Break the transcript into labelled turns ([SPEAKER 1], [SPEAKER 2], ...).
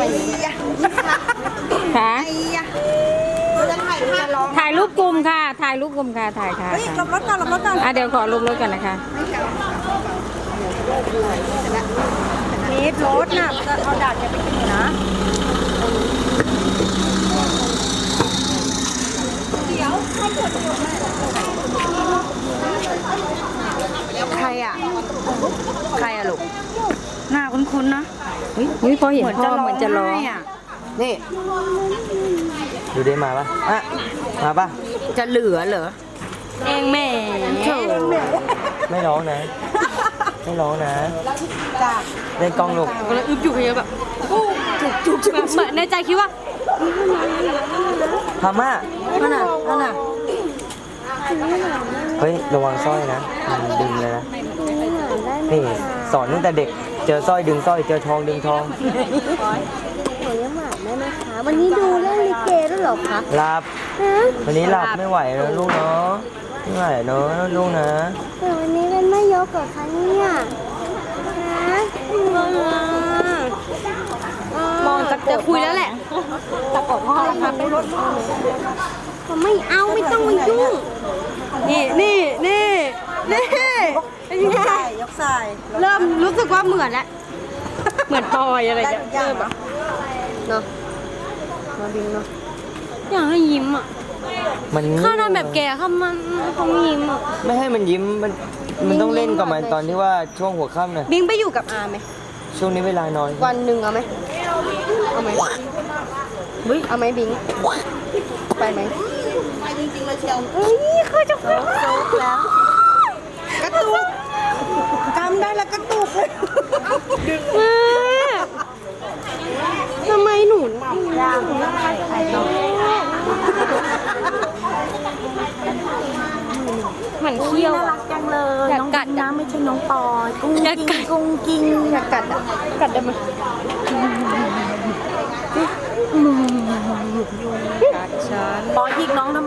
[SPEAKER 1] ค่ะถ่ายรูปกลุ่มค่ะถ่ายรูปกลุ่มค่ะถ่ายค่ะ
[SPEAKER 2] หลบรถก่อนหลบรถก่อน
[SPEAKER 1] เดี๋ยวขอลงรถก่อนนะคะ
[SPEAKER 2] นิดรถน่ะจะเอาดาดจะไปกินนะใครอ่ะลูกหน้าคุ้นๆนะ
[SPEAKER 1] อุ้ยพอเห็นพ่อเหมือนจะร้อง
[SPEAKER 3] นี่ดูได้มาปะอ่ะมาปะ
[SPEAKER 2] จะเหลือเหรอ
[SPEAKER 1] เองแม่
[SPEAKER 3] ไม่ร้องนะ ไม่ร้องนะเล่นกล้องลูก
[SPEAKER 1] ก็เลยอึบอยู่อย่างเงี้ยแบบจุกเหมือนในใจคิดว่า
[SPEAKER 3] พาม่า
[SPEAKER 2] นั่นน่ะ
[SPEAKER 3] เฮ้ยระวังสร้อยนะมันดึงเลยนะนี่สอนตั้งแต่เด็กเจอสร้อยดึงสร้อยเจอทองดึงทอง
[SPEAKER 4] หนูยังหลับได้ไหมคะ วันนี้ดูเรื่องลิเกด้วยเหรอคะ
[SPEAKER 3] หลับ
[SPEAKER 4] ฮะ
[SPEAKER 3] วันนี้หลับไม่ไหวแล้วลูกเนาะไม่ไหวเนาะลูกนะ
[SPEAKER 4] แต่วันนี้เป็นไม่ยกเหรอคะเนี่ยฮะ
[SPEAKER 1] มองจะคุยแล้วแหละตะกดพ่อแล้วครับไปรถ
[SPEAKER 4] ผมไม่เอาไม่ต้องมายุ่ง
[SPEAKER 1] นี่เป็นยังไง
[SPEAKER 2] ยกสาย
[SPEAKER 1] เริ่มรู้สึกว่าเหมือนแล้วเหมือนปอยอะไรอย่างเงี้ยเริ่มอะ
[SPEAKER 4] เนาะมาบิงเนาะ
[SPEAKER 1] อยากให้ยิ้มอ่ะ
[SPEAKER 3] มัน
[SPEAKER 1] ข้าทำแบบแกเขามันเขาไม่ยิ้มอ่ะ
[SPEAKER 3] ไม่ให้มันยิ้มมันต้องเล่นกับมันตอนที่ว่าช่วงหัวค่ำน่ะ
[SPEAKER 1] บิงไปอยู่กับอาไหม
[SPEAKER 3] ช่วงนี้เวลานอน
[SPEAKER 4] วันหนึ่งเอาไหมเอาไหมเอาไหมบิงไปไหม
[SPEAKER 2] ไปจริงๆเลยเชียว
[SPEAKER 4] เอ้ยเขาจะฟัง
[SPEAKER 2] แล้วกระตุกจำได้แล้วกระตุกเลย
[SPEAKER 1] ทำไมหนู เหมือนเขี้ยว
[SPEAKER 2] น่ารักจังเลย
[SPEAKER 1] อยาก
[SPEAKER 2] น้อง
[SPEAKER 1] กัด
[SPEAKER 2] น้ำไม่ใช่น้องปอยกุ้ง
[SPEAKER 1] อยากกัด
[SPEAKER 2] กุ้งกิ้ง
[SPEAKER 1] อยากกัดอ่ะกัดได้ไหม
[SPEAKER 2] ปอยยิกน้องทำ